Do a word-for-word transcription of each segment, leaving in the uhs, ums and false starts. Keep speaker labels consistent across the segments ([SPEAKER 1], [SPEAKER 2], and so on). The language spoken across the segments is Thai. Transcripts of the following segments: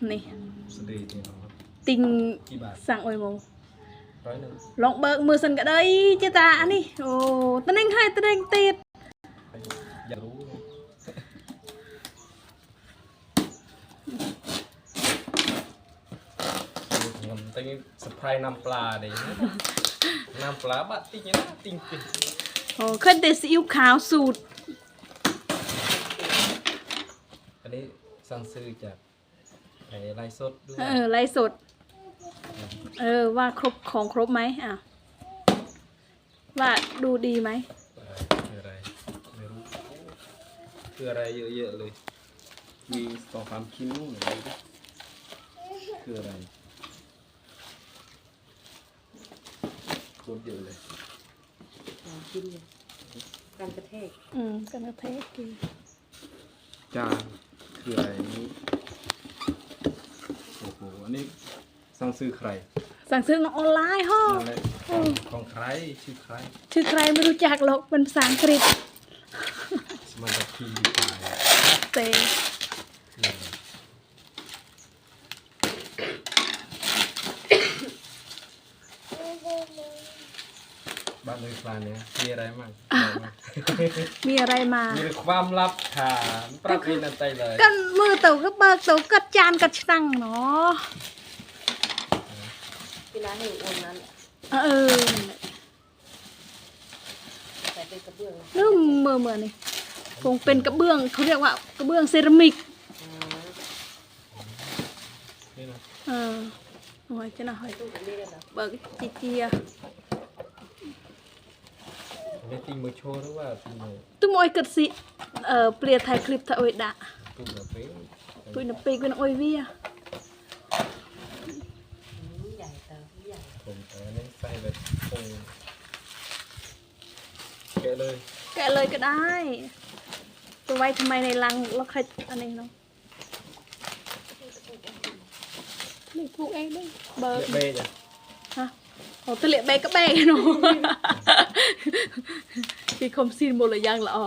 [SPEAKER 1] นี่
[SPEAKER 2] สดีจริงเหรอ
[SPEAKER 1] ติงสั่งโอยโมลองเบิกมือสันก็ได้เจ้าตาอันนี้โอ้ตะเน่งให้ตะเน่งติด
[SPEAKER 2] อยากรู้มันตั้งสไปร์น้ำปลาดิน้ำปลาบัดติ๊กเนี่ยนะติ๊งติ๊ง
[SPEAKER 1] โอ้ขึ้นแต่ซีอิ๊วขาวสูตร
[SPEAKER 2] อันนี้สั่งซื้อจากไอ้ไลฟ์สดด้วย
[SPEAKER 1] เออไลฟ์สดเออว่าครบของครบไหมอ่ะว่าดูดีไหม
[SPEAKER 2] คืออะไรไม่รู้คืออะไรเยอะๆเลยมีสองสามชิ้นนู่นอะไรคืออะไรโคตรเยอะเลย
[SPEAKER 3] กินกันกระเทก
[SPEAKER 1] อืมกันกระเทกกิน
[SPEAKER 2] จานคืออะไรนี้โอ้โหอันนี้สั่งซื้อใคร
[SPEAKER 1] สั่งซื้อออนไลน์ฮ่อ
[SPEAKER 2] ของของใครชื่อใคร
[SPEAKER 1] ชื่อใครไม่รู้จักหรอกเป็นภาษาอังกฤษ
[SPEAKER 2] สมันจะพีดีไป
[SPEAKER 1] เต
[SPEAKER 2] บ้านเลยปลาเนี่ยมีอะไรมั่ง
[SPEAKER 1] มีอะไรมา
[SPEAKER 2] มีความลับค่ะปรับวินันใจเลย
[SPEAKER 1] กันมือเต่าก็เบิกเต่ากัดจานกัดช่างเนาะ
[SPEAKER 3] เวลาให้อ้วนนั้น
[SPEAKER 1] เออ
[SPEAKER 3] ใส่เป็นกระเบื้อง
[SPEAKER 1] นึ่มเมื่อเมื่อนี่คงเป็นกระเบื้องเขาเรียกว่ากระเบื้องเซรามิกเออโอ้ยจะน่าหอยเบิกจีเจีย
[SPEAKER 2] ไม่ติงมือโชว์หรือว่าติงมือ
[SPEAKER 1] ตุ้มโอยกัดสิเอ่อเปลี่ยนไทยคลิปถ้าโอยด่า
[SPEAKER 2] ตุ้มแบบเป๊ะ
[SPEAKER 1] ตุ้มนับปีกันโอยวิ่ง
[SPEAKER 3] ใหญ่เติมใหญ่
[SPEAKER 2] ผมแต่นี่ใส่แบบคงแกะเลย
[SPEAKER 1] แกะเลยก็ได้ตัวไว้ทำไมในรังแล้วใครอันนี้เนาะนี่ปลูกเองด้วยเบอร์
[SPEAKER 2] เบ้จ้ะ
[SPEAKER 1] ฮะโอ้ตะเลียเบก็เบเนาะที่คมซีนโมเลยยังละอ๋อ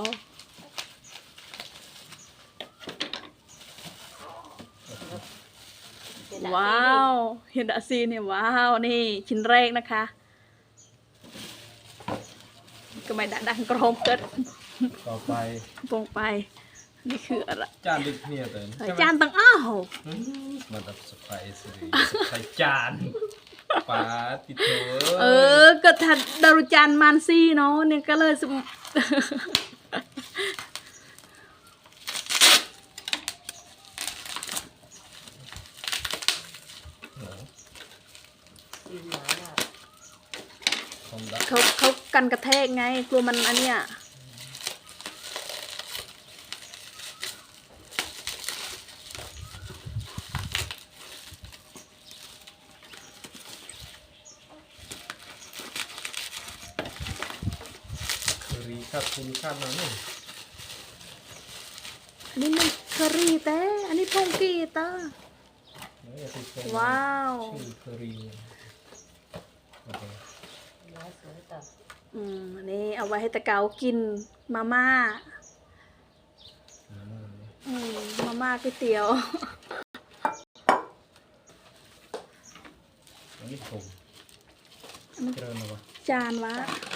[SPEAKER 1] ว้าวเห็นดาซีเนี่ยว้าวนี่ชิ้นแรกนะคะก็ไม่ดังกรอมเกิด
[SPEAKER 2] ต่อไป
[SPEAKER 1] ปงไปนี่คืออะไร
[SPEAKER 2] จานดึกเนี่ยเต้น
[SPEAKER 1] จานตั้งอ้าว
[SPEAKER 2] มันแบบสไปซ์เลยใส่จานปลาติดเถอ
[SPEAKER 1] เออก็ถัดดารุจานมันซี่เนาะเนี่ยก็เลยสมเขาเขากันกระแทกไงกลัวมันอันเนี้ย
[SPEAKER 2] รีคัดคุณคัดมาเนี่ย
[SPEAKER 1] อันนี้มันเคอรี่แต่อันนี้พงกีตาว้าว
[SPEAKER 2] เคอรี่
[SPEAKER 1] อืมนี่เอาไว้ให้ตะเกากินมาม่าอืมมาม่าก๋วยเตี๋ยว
[SPEAKER 2] อันนี้ผมเจริญวะ
[SPEAKER 1] จานวะ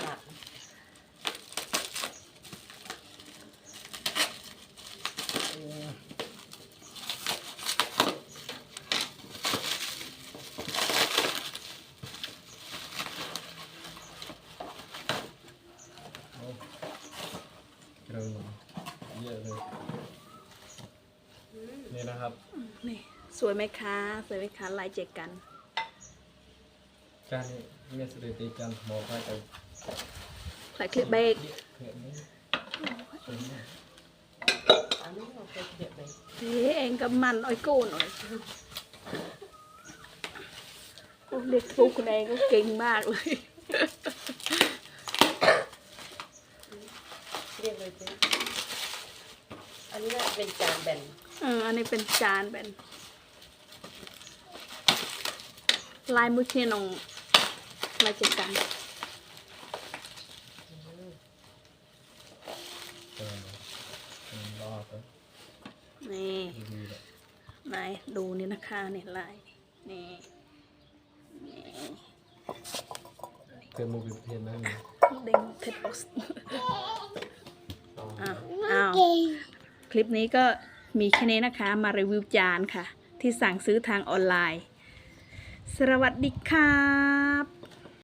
[SPEAKER 2] เยอะเลยนี่นะครับ
[SPEAKER 1] นี่สวยไหมคะสวยไหมคะลายเจกัน
[SPEAKER 2] จานนี้เมียสเตติจานบอกให้ไป
[SPEAKER 1] ใส่คลิปเบรกเฮ้เองกับมันอ้อยโก้หน่อยเด็กฟุกคนเองก็เก่งมากเลย
[SPEAKER 3] เรียกเลยอันนี้น่าเป็นจานแบน
[SPEAKER 1] เอออันนี้เป็นจานแบนลายมือเชียนองลายเจกันนี่ไหนดูนี่นะคะนี่ลายนี่นี่
[SPEAKER 2] เกิดโมบิลเพียนได้ไหม
[SPEAKER 1] เด้งเทปบ็อกซ์อ้าวอ้าวคลิปนี้ก็มีแค่นี้นะคะมารีวิวจานค่ะ ที่สั่งซื้อทางออนไลน์ สวัสดีครับ